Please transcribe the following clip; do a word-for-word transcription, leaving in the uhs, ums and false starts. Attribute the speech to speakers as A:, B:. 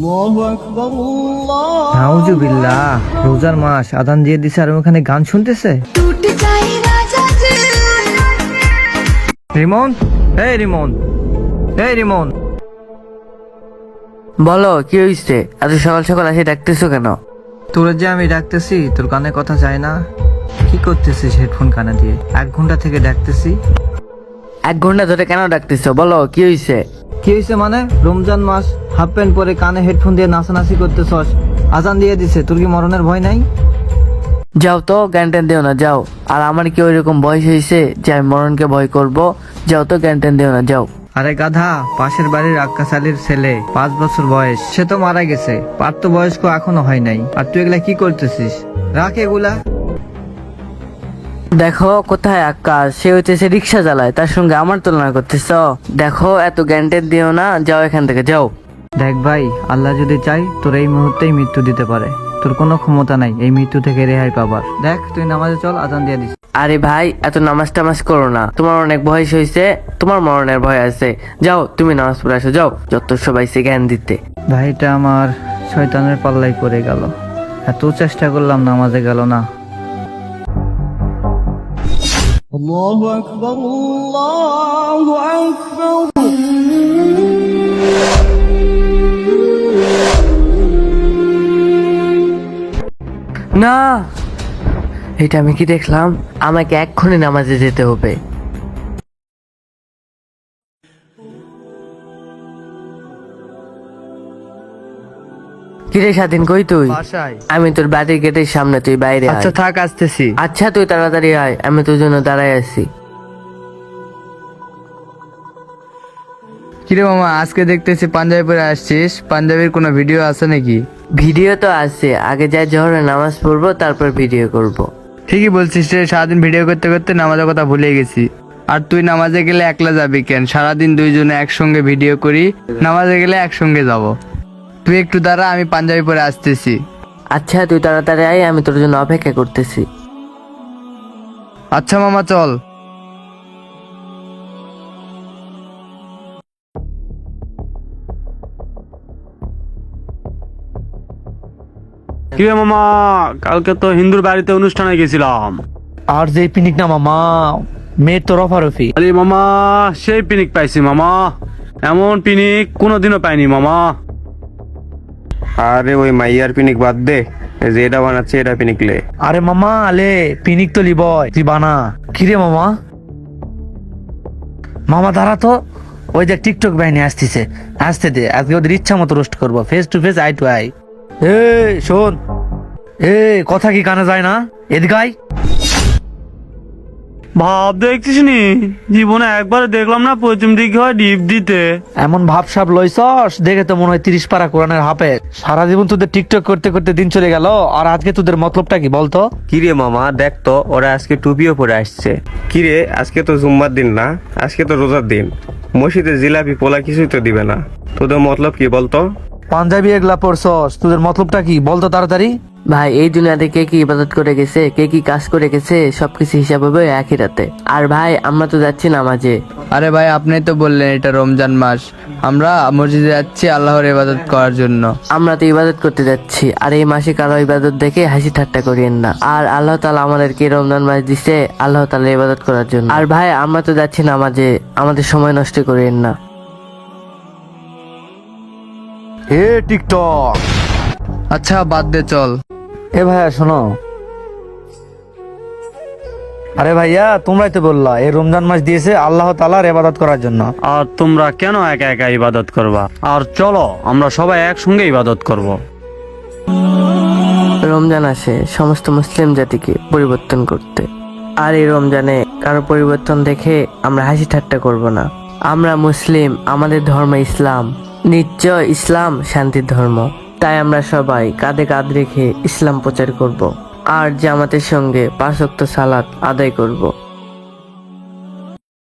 A: নাউজুবিল্লাহ, রোজার মাস, আজান দিয়ে দিছে আর ওখানে গান শুনতেছে। রিমন, এই রিমন, এই রিমন,
B: বলো কি হয়েছে? এত সকাল সকাল এসে ডাকতেছো কেন?
A: তোর যে আমি ডাকতেছি, তোর কানে কথা যায় না? কি করতেছিস হেডফোন কানে দিয়ে? এক ঘন্টা থেকে ডাকতেছি।
B: এক ঘন্টা ধরে কেন ডাকতেছো? বলো কি হয়েছে?
A: কি হয়েছে মানে? রমজান মাস, হাফ প্যান্ট পরে কানে হেডফোন দিয়ে নাচানাচি করতেছস, আজান দিয়ে দিছে, তোর কি মরণের ভয় নাই?
B: যাও তো, জ্ঞান ট্যান দিও না, যাও। আর আমার কি ওইরকম বয়স হয়েছে যে আমি মরণকে ভয় করব? যাও তো, জ্ঞান ট্যান দিও না, যাও।
A: আরে গাধা, পাশের বাড়ির আক্কাস আলীর ছেলে, পাঁচ বছর বয়স, সে তো মারা গেছে, প্রাপ্তবয়স্ক এখনো হয় নাই, আর তুই এগুলা কি করতেছিস? রাখ এগুলা।
B: দেখো কোথায় আকাশ, সে হচ্ছে রিক্সা চালায়, তার সঙ্গে আমার তুলনা করতেছ? দেখো এত জ্ঞান ট্যান দিও না, যাও এখান থেকে, যাও।
A: দেখ ভাই, আল্লাহ যদি চাই তোর এই মুহূর্তেই মৃত্যু দিতে পারে, তোর কোনো ক্ষমতা নাই এই মৃত্যু থেকে রেহাই পাবার। দেখ তুই নামাজে চল, আজান দিয়ে দিস।
B: আরে ভাই, এত নামাজ টামাজ করো না, তোমার অনেক বয়স হয়েছে, তোমার মরণের ভয় আছে। যাও তুমি নামাজ পড়ে আসো, যাও, যত সবাই সে জ্ঞান দিতে।
A: ভাইটা আমার শয়তানের পাল্লাই পড়ে গেল, এত চেষ্টা করলাম নামাজে গেল না। আল্লাহু আকবার, আল্লাহু আকবার।
B: না, এটা আমি কি দেখলাম? আমাকে এক্ষুনি নামাজে যেতে হবে। কিরে স্বাধীন, কই তুই?
A: বাসায়।
B: আমি তোর বাড়ির গেটের সামনে, তুই বাইরে আয়।
A: আচ্ছা থাক, আসতেছি।
B: আচ্ছা তুই তাড়াতাড়ি আয়, আমি তোর জন্য দাঁড়াই আছি।
C: কিরে মামা, আজকে দেখতেছি পাঞ্জাবি পরে আসছিস, পাঞ্জাবির কোনো ভিডিও আছে নাকি?
B: ভিডিও তো আছে, আগে যাই জোহরের নামাজ পড়বো, তারপর ভিডিও করব।
C: ঠিকই বলছিস রে, সারাদিন ভিডিও করতে করতে নামাজের কথা ভুলে গেছি। আর তুই নামাজে গেলে একলা যাবি কেন? সারাদিন দুইজনে একসঙ্গে ভিডিও করি, নামাজে গেলে একসঙ্গে যাব। তুই একটু দাঁড়া, আমি পাঞ্জাবি পরে আসতেছি।
B: আচ্ছা তুই তাড়াতাড়ি আয়, আমি তোর জন্য অপেক্ষা করতেছি।
C: আচ্ছা মামা, চল।
D: কিরে মামা, কালকে তো হিন্দুর বাড়িতে অনুষ্ঠানে গেছিলাম।
E: আর যে পিনিক না মামা, মেয়ের তো রফারফি।
D: আরে মামা, সেই পিনিক পাইছি মামা, এমন পিনিক কোনোদিনও পাইনি মামা।
F: আরে ওই মাইয়ার পিনিক বাদ দে, এই যে এটা বানাচ্ছে এটা পিনিকলে।
E: আরে মামা আলে পিনিক তো লিবয়, তুই বানা। কিরে মামা, মামা দাঁড়া তো, ওই যে টিকটক বাহিনী আসতেছে, আসতে দে, আজকে ওদের ইচ্ছা মতো রোস্ট করবো, face to face, eye to eye. এ শোন, এ কথা কি কানে যায় না? এদিকে আয়।
D: ভাব দেখছিস নি, জীবনে একবার দেখলাম না পশ্চিম দিকে হয় ডিপ দিতে।
E: এমন ভাবসাব লইছস, দেখে তো মনে হয় তিরিশ পারা কোরআনের হাফেজ। সারা জীবন তোদের টিকটক করতে করতে দিন চলে গেল, আর আজকে তোদের মতলবটা কি বলতো?
F: কিরে মামা, দেখ তো ওরা আজকে টুপিও পরে আসছে। কিরে, আজকে তো জুম্মার দিন না, আজকে তো রোজার দিন, মসজিদে জিলাপি পোলা কিছুই তো দিবে না। তোদের মতলব কি বলতো?
E: পাঞ্জাবি এগুলা পরছস, তোদের মতলবটা কি বলতো তাড়াতাড়ি?
B: ভাই, এই দুনিয়াতে কে কি ইবাদত করে গেছে, কে কি কাজ করে গেছে, সবকিছু হিসাব হবে একই রাতে। আর ভাই আমরা তো যাচ্ছি নামাজে।
C: আরে ভাই, আপনি তো বললেন এটা রমজান মাস, আমরা মসজিদে যাচ্ছি আল্লাহর ইবাদত করার জন্য।
B: আমরা তো ইবাদত করতে যাচ্ছি, আর এই মাসে কারো ইবাদত দেখে হাসি ঠাট্টা করিয়েন না। আর আল্লাহ তাআলা আমাদেরকে রমজান মাস দিছে আল্লাহ তাআলা ইবাদত করার জন্য। আর ভাই আমরা তো যাচ্ছি নামাজে, আমাদের সময় নষ্ট করিয়েন না।
E: এ টিকটক,
C: আচ্ছা বাদ দে, চল।
E: এ ভাইয়া শোনো। আরে ভাইয়া, তোমরাই তো বললা এই রমজান মাস দিয়েছে আল্লাহ তাআলার ইবাদত করার জন্য।
D: আর তোমরা কেন একা একা ইবাদত করবা? আর চলো আমরা সবাই একসঙ্গে ইবাদত করব।
B: রমজান আসে সমস্ত মুসলিম জাতিকে পরিবর্তন করতে, আর এই রমজানে কারো পরিবর্তন দেখে আমরা হাসি ঠাট্টা করব না। আমরা মুসলিম, আমাদের ধর্ম ইসলাম, নিশ্চয় ইসলাম শান্তির ধর্ম। তাই আমরা সবাই কাঁধে কাঁধ রেখে ইসলাম প্রচার করব, আর জামাতের সঙ্গে পাঁচ ওয়াক্ত সালাত আদায় করব।